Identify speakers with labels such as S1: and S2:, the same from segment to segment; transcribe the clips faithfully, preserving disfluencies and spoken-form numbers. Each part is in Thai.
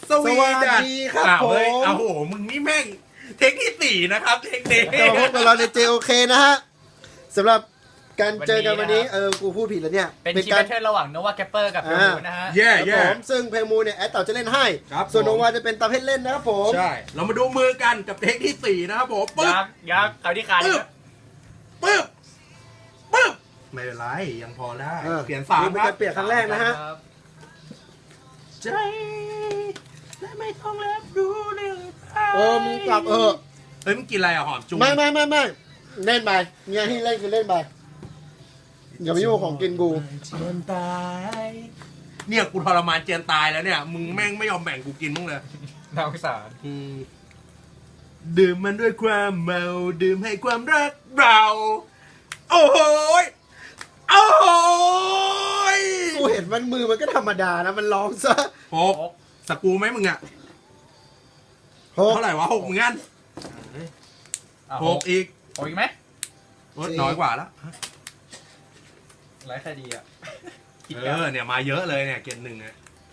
S1: สวีดัน
S2: ดีครับ
S1: อ้าว
S2: ผม
S1: เฮ้ยเอาโหมึงนี่แม่งเทคที่สี่นะครับเทคนี้
S2: จะมาพบกับเราใน เจ โอ เค นะฮะสำหรับการเจอกันวันนี้เออกูพูดผิดแล้วเนี่ย
S3: เป็นคีย์แบทเทิลระหว่างโนวาแกปเปอร์กับเพลมูนะฮะ
S1: แย่
S2: ครับ
S1: แย่
S2: ผมซึ่งเพลงมูเนี่ยแอดเต่าจะเล่นให้
S1: ครับ
S2: ส่วน
S1: ผม
S2: โนวาจะเป็นตาเพชรเล่นนะครับผม
S1: ใช่ เรามาดูมือกันกับเทคที่สี่นะครับผมปึ๊บ
S3: ยักษ์ยักษ์เอาที่ขาด
S1: ปึ๊
S3: อี
S1: บ
S3: ก
S1: ปึ๊บปึ๊บไม่เป็นไรยังพอได้
S2: ออ
S1: เปลี่ยนสาม
S2: นี่เป็น
S1: ครั
S2: กา
S1: บ
S2: รเปลี่ยนครั้งแรกนะฮะ
S3: ครับ
S1: ใจและไม่ต้องรับรู้เรื่องราว
S2: เออมึงกลับเออ
S1: เฮ้ยมึงกินอะไรอะหอมจุง
S2: ไม่ไม่ไม่ไม่เล่นไปเนี่ยที่เล่นคือเล่นไปอย่ามายุ่งของกินกู
S1: เจียนตายเนี่ยกูทรมานเจียนตายแล้วเนี่ยมึงแม่งไม่ยอมแบ่งกูกินมั้งเลย
S3: น่าสงสาร
S1: อืมดื่มมันด้วยความเมาดื่มให้ความรักเรา โอ้โหยโอ้โหย
S2: กูเห็นมันมือมันก็ธรรมดานะมันร้องซะ
S1: หกสกรูไหมมึงอะ
S2: หก
S1: เท่าไหร่วะหกเหมือนกัน
S3: อ่ะ
S1: หกอีก
S3: หกอีกไหม
S1: ลดน้อยกว่าแล้ว
S3: ไร้ใครดีอ่ะคิด
S1: เอ
S3: แล้ว
S1: อเนี่ยมาเยอะเลยเนี่ยเกณฑ์หนึ่งเนี่ย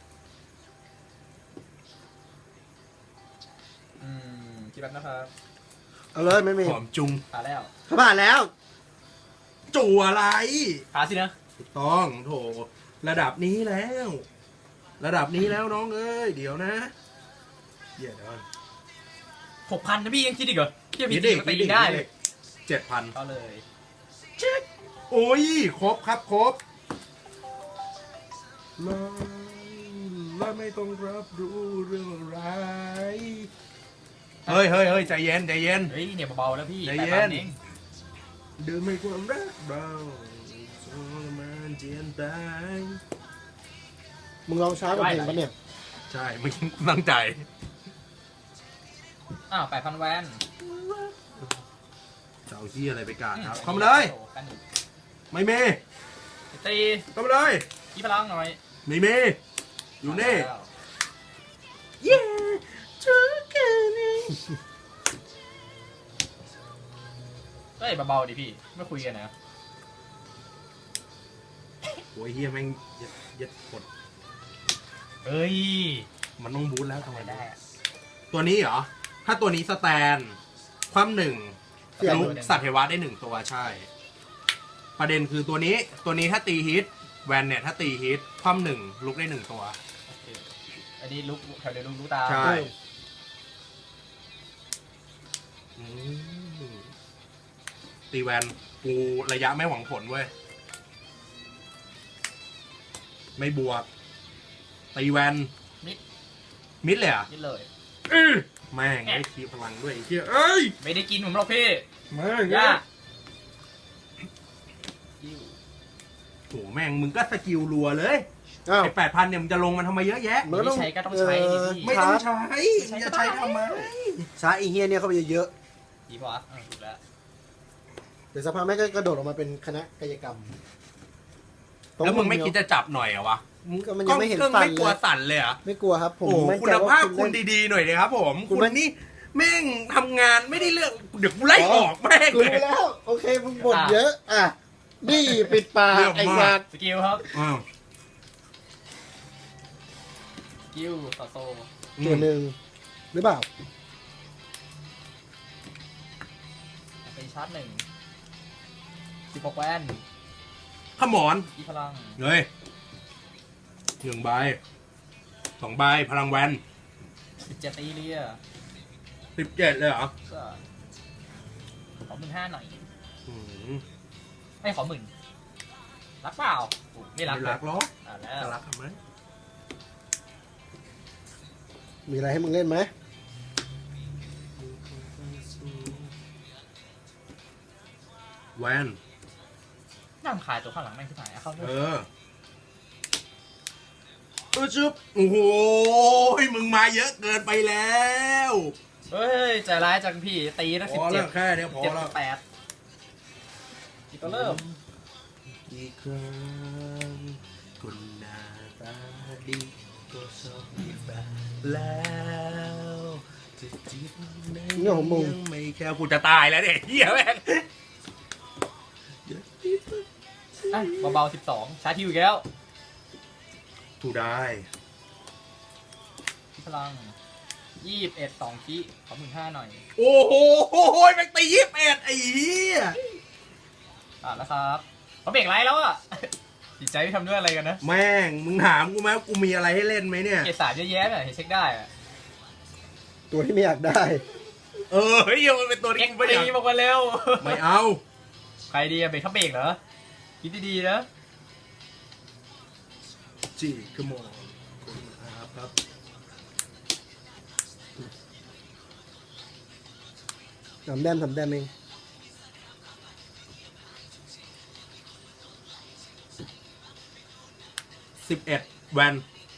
S3: อืมคิดแบบนะครับ
S2: เอาเลยไม่มี
S1: หอมจุง
S3: ขาแล้ว
S2: เขาผ่านแล้ว
S1: จูอะไร
S3: ขาสินะ
S1: ถูกต้องโถระดับนี้แล้ว ระดับนี้แล้วน้องเอ้ยเดี๋ยวนะเดี๋ยวเดี๋ยว
S3: หกพันนะพี่ยังคิดอีกเหรอพี่มี
S1: คิด
S3: จริ
S1: ดิ
S3: งก็ตี
S1: คิดดิ
S3: ได้เลย
S1: เจ็ดพัน
S3: เอาเลย
S1: โอ้ยครบครับครบและและไม่ต้องรับรู้เรื่องอะไรเฮ้ยเฮ้ยเฮ้ยใจเย็นใจเย็น
S3: เฮ้ยเนี่ยเบาๆแล้วพี่
S1: ใจ
S3: แปด
S1: เย็
S3: พั
S1: น
S3: นเอง
S1: ดื่มให้ความรักเราทรมานเจียนตาย
S2: มึงลองช้ากว่าเพลงปะเนี่ย
S1: ใช่ไม่ตั้งใจ
S3: อ้าวแปดพันแวน
S1: จะเอาที่อะไรไปกาดครับเข้ามาเลย
S3: กันอีก
S1: ไม่มี
S3: ตี
S1: เข้ามาเลย
S3: ยี่พลังหน่อย
S1: ไม่มีอยู่นี่
S3: แล้ว
S1: เย้ทุกคืน
S3: เฮ้ยเบาๆดิพี่ไม่คุยกันนะ
S1: โอ้ยเฮียแม่งยัดยัดกด
S3: เฮ้ย
S1: มันต้องบูทแล้วทำ
S3: ทำ
S1: ไม
S3: ไม
S1: ได้
S3: ได้อะ
S1: ตัวนี้เหรอ ถ้าตัวนี้สแตน ความหนึ่ง
S2: เสียบ
S1: ลุกสัตว์เทวะได้หนึ่งตัวใช่ ประเด็นคือตัวนี้ ตัวนี้ถ้าตีฮิต แวนเนี่ยถ้าตีฮิต ความหนึ่งลุกได้หนึ่งตัว
S3: โอเคอันนี้ลุกแถวเดียวลุกลุกตา
S1: ใช่ อืมตีแวนกูระยะไม่หวังผลเว้ย ไม่บวก ตีแวน
S3: มิด
S1: มิดเลยเหรอ่ะ
S3: นี่เลย
S1: แม่งได้คีพลังด้วยไอ้เหี้ยเอ้ย
S3: ไม่ได้กินผมหรอกพี่
S1: แม่ง
S3: ย่า
S1: โหแม่งมึงก็สกิลรัวเลย
S2: อ้าว
S1: ไอ้แปดพันเนี่ยมึงจะลงมันทำไมเยอะแยะ
S2: มันก็
S3: ไม่
S2: ต้อง
S3: ใช้ก็ต้องใช้ดิพี่
S1: ไม่ต้องใช้มึงจะใช้ทำไม
S2: ช้าอีเฮียเนี่ยเข้าไปเยอะ
S3: ดีป่ะอ่ะถูกแล้ว
S2: ๆเดี๋ยวสักพักแม่งก็กระโดดออกมาเป็นคณะกายกรรม
S1: แล้วมึงไม่คิดจะจับหน่อยเหรอวะ
S2: ก็มันยังไม่เห็น
S1: ก็
S2: ฟัน
S1: ไม่กลัว
S2: เลย
S1: สั่นเลยเหรอ
S2: ไม่กลัวครับผม
S1: โอ้โห
S2: มั่น
S1: คุ
S2: ใจ
S1: ณ
S2: ว่
S1: ภาพคุณ
S2: เล่น
S1: ดีๆหน่อยเลยครับผม
S2: คุณ
S1: คุณ
S2: ไม่
S1: นี่แม่งทำงานไม่ได้เรื่องเดี๋ยวกูไล่ออกแม่ง
S2: กู
S1: เลย
S2: รู้แล้ว โอเคมึงบ่นเยอะ อ่ะ นี่ปิดปาก
S1: เรื่อง
S2: ไอ้
S1: มาก
S2: สัตว์
S3: สกิลครับ
S1: อ้าว
S3: สกิลต่อโซ
S2: ตัวหนึ่งหรือเปล่า
S3: ไปชาร์จหนึ่งสิบหกแวน
S1: ขมอน
S3: อีพลัง
S1: เฮ้ยหนึ่งใบสองใบพลังแวน
S3: สิบเจ็ดตีเรีย
S1: สิบเจ็ดเลยเหรอ
S3: ก็ขอหมื่นห้าหน่อย
S1: อืม
S3: ไม่ขอหมื่นรักเปล่าอุ๊ยไม่รัก
S1: ไม่รักหรอก
S3: อ่ะแล้
S1: จะ
S3: ว
S1: รักทำไม
S2: มีอะไรให้มึงเล่นไหม
S1: แวน
S3: น้ำขายตัวข้างหลังแม่งที่ไหนอะเข้าด้ว
S1: เอย อเออจุ๊บโอ้โหมึงมาเยอะเกินไปแล้ว
S3: เฮ้ยใจร้ายจังพี่ตีตั้ง
S1: พ
S3: สิบ
S1: อ
S3: เจ็
S1: แล้
S3: ด
S1: วแค่เนี้ยพอ
S3: เจ็ด
S1: แล้ว
S3: แปดอีกตัวเริ่ม
S1: อีกครั้งคนหน้าตาดีก็ชอบมีแฟนแล้วจะจีบใน
S2: เรื่องของมึง
S1: ยังไม่แค่กูจะตายแล้วเนี่ยเหี้ยแม่ง
S3: อ่ะเบาๆสิบสองชาร์จทิวอีกแล้ว
S1: ถูกได้
S3: พลังยี่สิบเอ็ดสองคีขอหมื่นห้าหน่อย
S1: โอ้โหแม่งตียี่สิบเอ็ดไอ้เหี้ย
S3: อ่ะแล้วครับเขาเบรกไลท์แล้วอ่ะ จิตใจไม่ทำด้วยอะไรกันนะ
S1: แม่งมึงถามกูไหมว่ากูมีอะไรให้เล่นไหมเนี่ย
S3: เกรดสามเยอะแยะเลยเช็คได้อ่ะ
S2: ตัวที่ไม่อยากได้
S1: เออเฮ้ยมันเป็นตัว
S3: เอ็
S1: ที่
S3: ก
S1: กู
S3: ซ์
S1: ไม่อยาก
S3: ตีบอกมาเร็ว
S1: ไม่เอา
S3: ใครดีอะเบรกเขาเบรกเหรอคิดดีๆนะ
S1: จีขโมยคุณครับครับ
S2: ทำแต้มทำแต้มเอง
S1: สิบเอ็ดแวน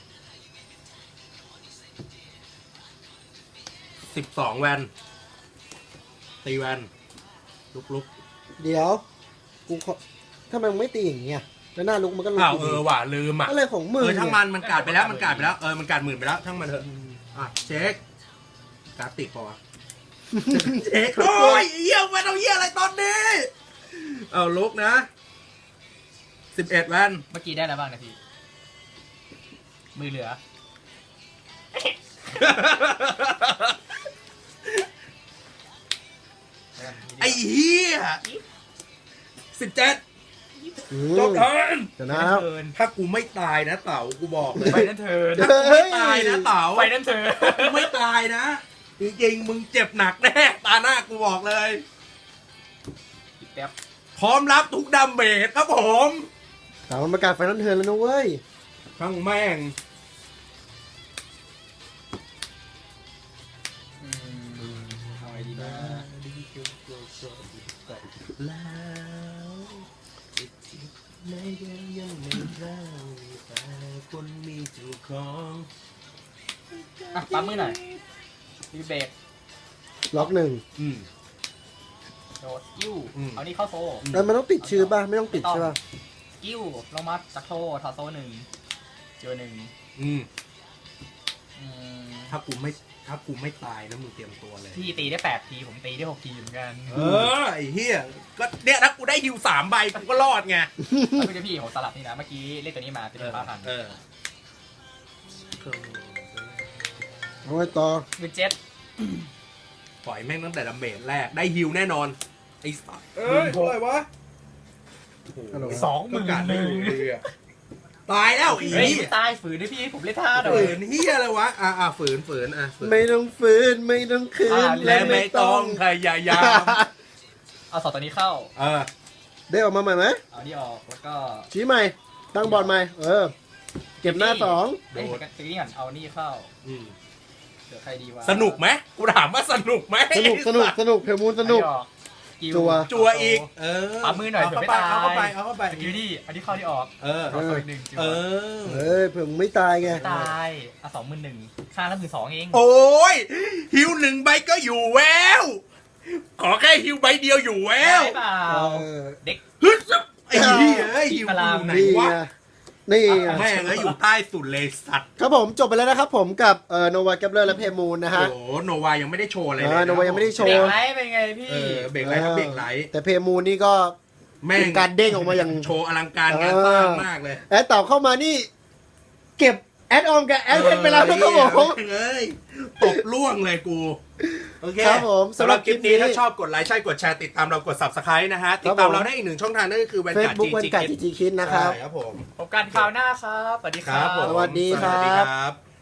S1: สิบสองแวนตีแวนลุกลุก
S2: เดี๋ยว กูขอถ้ามันไม่ตีอย่างเงี้ยแล้วหน้าลุกมันก็ลุก
S1: อ้าว
S2: อยู่
S1: เอ
S2: ดี
S1: อว่ะลืมอ่ะ
S2: อะไรของมึง
S1: เออช่างมัน
S2: เย
S1: มันกาดไปแล้วมันกาดไปแล้วเออมันกาดหมื่นไปแล้วช่างมันเถอะอ่ะเช็คการ์ดติดปะวะ เช็คโอ้ยเยี่ยมมาเอาเยี่ยอะไรตอนนี้เอาลุกนะสิบเอ็ดแวน
S3: เมื่อกี้ได้แล้วบ้างนะพี่มือเหลือ
S1: ไอ้เหี้ยสิบเจ็ด
S2: อื
S1: จ
S2: ม
S1: บเทิร์น
S2: ชนะแล้ว
S3: เทิร์น
S1: ถ้ากูไม่ตายนะเต๋ากูบอกเลย
S3: ไฟนั่นเทิร์น
S1: ถ้ากูไม่ตายนะเต๋า
S3: ไฟนั่นเทิร์น
S1: ถ้ากูไม่ตายนะจริงๆมึงเจ็บหนักแน่ตาหน้ากูบอกเลย
S3: อีกแป๊บ
S1: พร้อมรับทุกดาเมจครับผม
S2: สาวมันประกาศไฟนอลเทิร์นแล้วนะเว้ย
S1: ทั้งแม่ง
S3: อืมเอาไงดีนะ
S1: แล้วในยังยังไม่ได้แต่คนมีเจ้าของ
S3: อ่ะปั๊มมือหน่อยมีเบรก
S2: ล็อกหนึ่ง
S1: อืม
S3: โดดกิ้ว
S1: อืม
S3: เอานี่เข้าโซ่
S2: แล้วมันต้องติดชื่อป่ะ ไม่ต้องติดใช่ป่ะ
S3: กิ้วลงมาจากโซ่ถอดโซ่หนึ่งเจอหนึ่ง
S1: อืม
S3: อืม
S1: ถ้ากูไม่ถ้ากูไม่ตายนะมึงเตรียมตัวเลย
S3: พี่ตีได้แปดทีผมตีได้หกทีเหมือนกัน
S1: เออไอ้เหี้ยก็เนี่ยถ้ากูได้ฮิวสามใบกูก็รอดไง
S3: แล้วพี่พี่ผมสลับนี่นะเมื่อกี้เล่นตัวนี้มาเป็นห้าพัน
S1: เออ
S2: เอาไว้ต่อ
S3: คือเจ็ด
S1: ปล่อยแม่งตั้งแต่ดาเมจแรกได้ฮิวแน่นอนไอ้สัสเอ้ยอะไรวะโอ้โห
S3: สองหมื่น
S1: การ
S3: ห
S1: ไม่
S3: นึ่ง
S1: อยู่เลยอะตายแล้วไอ้
S3: เฮ้ย
S1: เหี้ย
S3: ไม่ตายฝืนด้วยพี่ผมเล่นท่าหน่อ
S1: ฝื
S3: ย
S1: นเหี้ยอะไรวะอ่ะอ่ะฝืนฝืนอ่ะฝืน
S2: ไม่ต้องฟื้นไม่ต้องคืน
S3: อ่า
S1: และไม่ต้องพยายาม
S3: เอาสองตัวนี้เข้า
S1: เออ
S2: ได้ออกมาใหม่ไหม
S3: เอานี่ออกแล้วก็
S2: ชี้ใหม่ ตั้งบอร์ดใหม่ เออ เก็บหน้าสอง
S3: เอ้ยตีนี่ก่อนเอานี่เข้า
S1: อืม
S3: เดี๋ยวใครดีวะ
S1: สนุกไหมกูถามว่าสนุกไหม
S2: สนุกสนุกสนุกเพลมูนสนุก
S3: อัออกกิ้
S2: จัว
S1: จัวอีก เออ
S3: ปั๊มมือหน่อย
S1: เอา
S3: เผื่อ
S1: เข้า
S3: ไม่
S1: ไป
S3: ตาย
S1: เอาเข้าไปเอาเข้าไป
S3: สกิลนี่อันนี้เข้าที่ออก
S1: เออ
S3: ถอดตัวอีกหนึ่งจัว
S1: เออ
S2: เอ้ยเผื่อมึงไม่ตายไง
S3: ตายอ่ะสองหมื่นหนึ่งค่าละหมื่นสองเอง
S1: โอ้ยฮิวหนึ่งใบก็อยู่แววขอแค่ฮิวใบเดียวอยู่แวว
S3: ได้เปล่า
S2: เออ
S3: เด็ก
S1: ฮึดซับไอ้เหี้ยเอ้ยฮิว
S3: พลัง
S1: อยู่ไหน
S2: นี่
S1: วะ
S2: ไงนี่ไง
S1: แม่งเอ้ยอยู่ใต้สุดเลยสัตว์
S2: ครับผมจบไปแล้วนะครับผมกับเอ่อโนวาแกปเลอร์และเพมูนนะฮะ
S1: โอ้โหโนวายังไม่ได้โชว์อะไรเลย
S2: เออโนวายังไม่ได้โช
S3: เด็ก
S2: ว์
S3: ไลท์เป็นไงพี่
S1: เออเบรกไลท์ครับเบรกไลท์
S2: แต่เพมูนนี่ก็
S1: แม่
S2: เป็
S1: ง
S2: นการเด้งออกมาอย่าง
S1: โชว์อลังการงานสร้างมากเลย
S2: แอดเต่าเข้ามานี่เก็บแอดออมกับแอดเพชรไปแล้วนะครับผม
S1: เอ้ยตบล่วงเลยกู โอเค
S2: ครับผม
S1: สำหรับคลิปนี้
S2: สำหรับคลิปนี้
S1: ถ้าชอบกดไลค์ใช่กดแชร์ติดตามเรากด subscribe นะฮะ ติดตามเราได้อีกหนึ่งช่องทางนั่นก็คือแวนการ์ด
S2: Facebook วัน
S1: จี
S2: กัดจีจีคิดนะครับ
S1: ครับผม
S3: พบกันคราวหน้าครับ สวัสดีค
S1: ค
S3: รั
S1: รับ บผม
S2: สวัสดีครับ
S1: สวัสดีครับ